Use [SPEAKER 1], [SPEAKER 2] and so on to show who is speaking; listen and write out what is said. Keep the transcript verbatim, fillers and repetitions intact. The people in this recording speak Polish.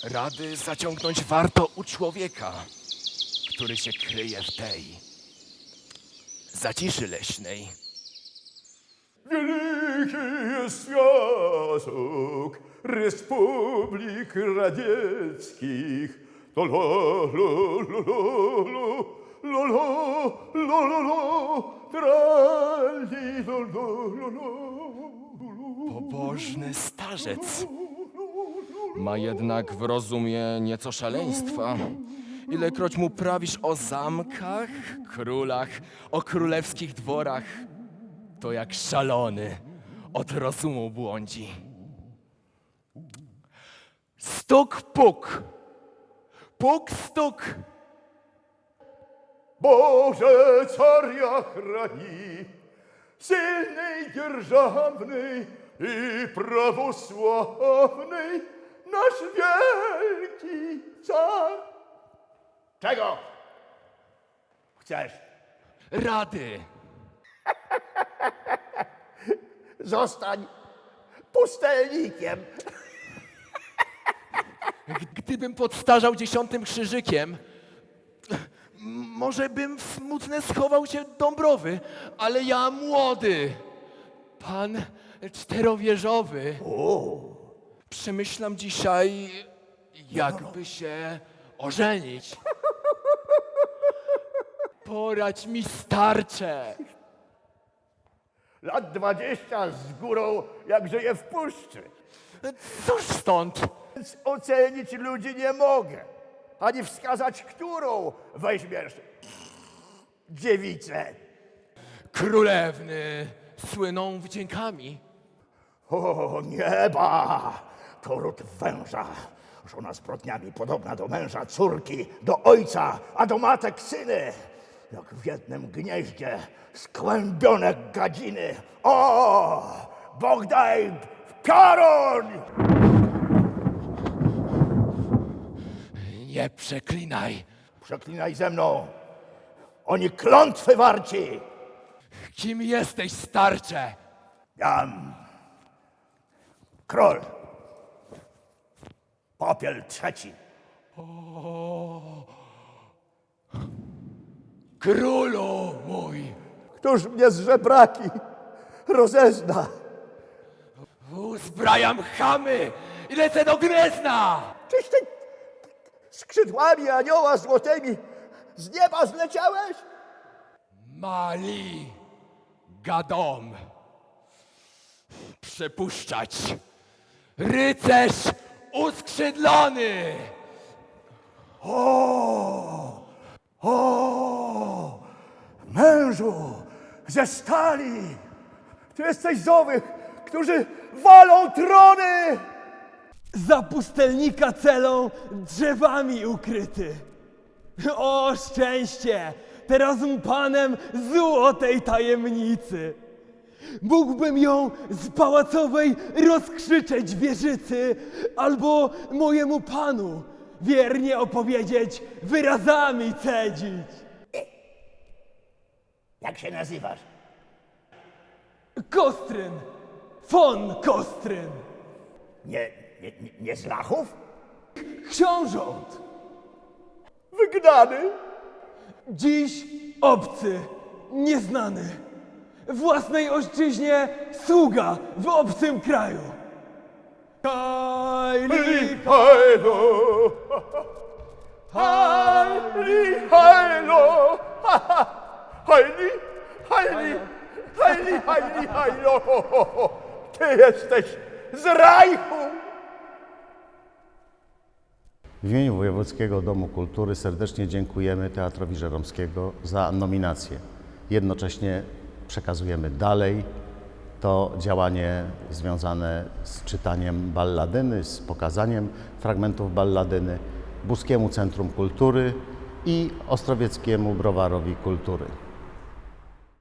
[SPEAKER 1] Rady zaciągnąć warto u człowieka, który się kryje w tej zaciszy leśnej.
[SPEAKER 2] Wielki jest Związek Republik Radzieckich. To lo, lo, lo, lo, lo, lo, lo, lo, lo, lo, trali, lo, lo, lo, lo.
[SPEAKER 1] Pobożny starzec ma jednak w rozumie nieco szaleństwa. Ilekroć mu prawisz o zamkach, królach, o królewskich dworach, to jak szalony od rozumu błądzi. Stuk, puk, puk, stuk.
[SPEAKER 2] Boże, caria chrani, silnej, dzierżawnej i prawosławnej, nasz wielki car. Czego chcesz?
[SPEAKER 1] Rady.
[SPEAKER 2] Zostań pustelnikiem.
[SPEAKER 1] Gdybym podstarzał dziesiątym krzyżykiem, może bym w smutne schował się Dąbrowy, ale ja młody, pan czterowieżowy. Przemyślam dzisiaj, jakby się ożenić. Poradź mi, starcze.
[SPEAKER 2] Lat dwadzieścia z górą, jakże je w puszczy.
[SPEAKER 1] Cóż stąd?
[SPEAKER 2] Więc ocenić ludzi nie mogę, ani wskazać, którą weźmiesz dziewicę.
[SPEAKER 1] Królewny słyną wdziękami.
[SPEAKER 2] O nieba, to ród węża, żona zbrodniami podobna do męża, córki do ojca, a do matek syny. Jak w jednym gnieździe skłębione gadziny. O, Bóg daj piorun!
[SPEAKER 1] Nie przeklinaj.
[SPEAKER 2] Przeklinaj ze mną, oni klątwy warci.
[SPEAKER 1] Kim jesteś, starcze?
[SPEAKER 2] Jam król, Popiel trzeci.
[SPEAKER 1] Królu mój!
[SPEAKER 2] Któż mnie z żebraki rozezna?
[SPEAKER 1] Uzbrajam chamy i lecę do Gniezna!
[SPEAKER 2] Czyś ty skrzydłami anioła złotymi z nieba zleciałeś?
[SPEAKER 1] Mali gadom. Przepuszczać. Rycerz uskrzydlony!
[SPEAKER 2] O, o, mężu ze stali! Ty jesteś z owych, którzy walą trony!
[SPEAKER 3] Za pustelnika celą drzewami ukryty. O szczęście! Teraz panem złotej tajemnicy. Mógłbym ją z pałacowej rozkrzyczeć wieżycy, albo mojemu panu wiernie opowiedzieć, wyrazami cedzić.
[SPEAKER 2] Jak się nazywasz?
[SPEAKER 3] Kostryn, von Kostryn,
[SPEAKER 2] Nie, nie, nie, nie z Lachów?
[SPEAKER 3] książąt.
[SPEAKER 2] Wygnany?
[SPEAKER 3] Dziś obcy, nieznany, własnej ojczyźnie sługa w obcym kraju. Hajli,
[SPEAKER 2] Hajlo! Hajli, hajlo! Hajli, hajli, hajli, hajli, hajlo! Ty jesteś z Rajchu!
[SPEAKER 4] W imieniu Wojewódzkiego Domu Kultury serdecznie dziękujemy Teatrowi Żeromskiego za nominację. Jednocześnie przekazujemy dalej to działanie związane z czytaniem balladyny, z pokazaniem fragmentów balladyny Buskiemu Centrum Kultury i Ostrowieckiemu Browarowi Kultury.